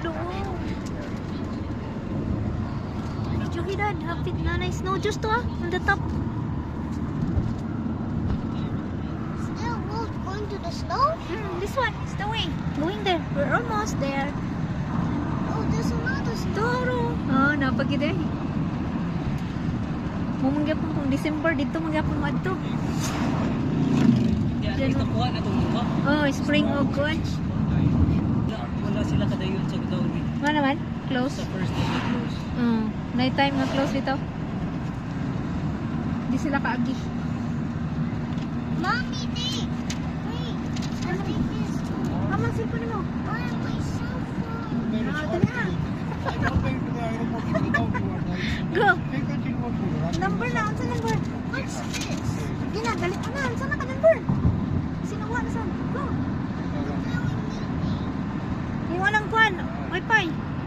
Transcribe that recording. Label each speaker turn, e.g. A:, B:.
A: doon. Jogi dad, hapit na nice snow juice to on the top.
B: Still not going to the snow?
A: This one is the way. Going there. We're almost there.
B: Oh, there's another snow.
A: Toro. Oh, napagid eh. Mumanggapon kung December dito manggapon mo adto.
C: Diyan ito kuha na itong lupa.
A: Oh, spring o kuan.
C: Wala sila kadayon sa daw.
A: Ano naman? Close.
C: Sa first day na close.
A: Night time na close dito. Di sila kaagi.
B: Mommy, take. Wait. I'll take this.
A: Amang cellphone mo.
B: Why am I so full?
A: Dali na. Go. Number na. Ano sa number?
B: What's this?
A: Sige na, dali ka na. Saan na ka number? Sinuha na saan? Go.
B: Telling me.
A: Yung walang kuan. Wi-Fi.